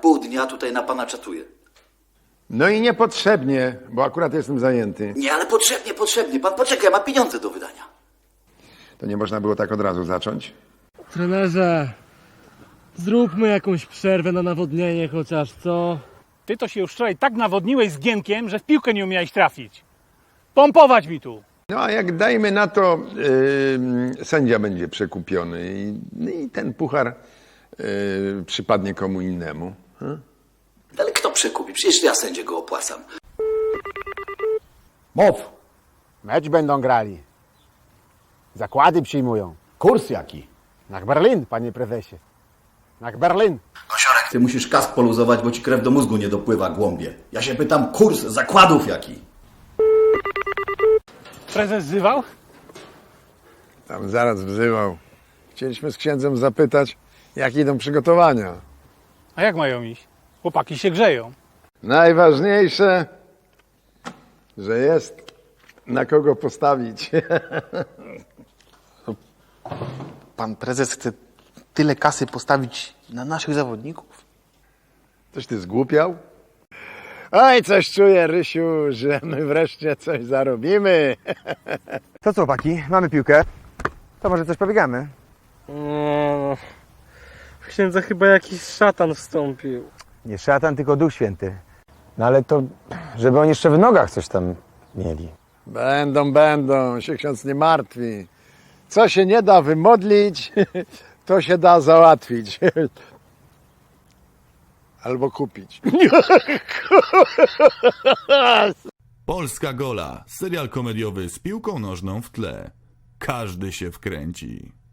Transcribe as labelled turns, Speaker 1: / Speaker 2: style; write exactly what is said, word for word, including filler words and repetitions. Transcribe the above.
Speaker 1: pół dnia tutaj na pana czatuję.
Speaker 2: No i niepotrzebnie, bo akurat jestem zajęty.
Speaker 1: Nie, ale potrzebnie, potrzebnie. Pan poczekaj, ma pieniądze do wydania.
Speaker 2: To nie można było tak od razu zacząć?
Speaker 3: Trenerze, zróbmy jakąś przerwę na nawodnienie chociaż, co?
Speaker 4: Ty to się już wczoraj tak nawodniłeś z Gienkiem, że w piłkę nie umiałeś trafić. Pompować mi tu.
Speaker 2: No a jak dajmy na to, yy, sędzia będzie przekupiony i, no i ten puchar yy, przypadnie komu innemu. Hmm?
Speaker 1: Ale kto przekupi? Przecież ja sędzie go opłacam.
Speaker 5: Mów. Mecz będą grali. Zakłady przyjmują.
Speaker 6: Kurs jaki?
Speaker 5: Na Berlin, panie prezesie. Na Berlin.
Speaker 1: Kosiorek,
Speaker 6: Ty musisz kask poluzować, bo ci krew do mózgu nie dopływa, głąbie. Ja się pytam, kurs zakładów jaki?
Speaker 4: Prezes zywał?
Speaker 2: Tam zaraz wzywał. Chcieliśmy z księdzem zapytać, jak idą przygotowania.
Speaker 4: A jak mają iść? Chłopaki się grzeją.
Speaker 2: Najważniejsze, że jest na kogo postawić.
Speaker 7: Pan prezes chce tyle kasy postawić na naszych zawodników?
Speaker 2: Coś ty zgłupiał? Oj, coś czuję, Rysiu, że my wreszcie coś zarobimy.
Speaker 5: To co, chłopaki? Mamy piłkę. To może coś pobiegamy?
Speaker 3: No, w księdza chyba jakiś szatan wstąpił.
Speaker 5: Nie szatan, tylko Duch Święty. No ale to, żeby oni jeszcze w nogach coś tam mieli.
Speaker 2: Będą, będą, się ksiądz nie martwi. Co się nie da wymodlić, to się da załatwić. Albo kupić.
Speaker 8: Polska Gola, serial komediowy z piłką nożną w tle. Każdy się wkręci.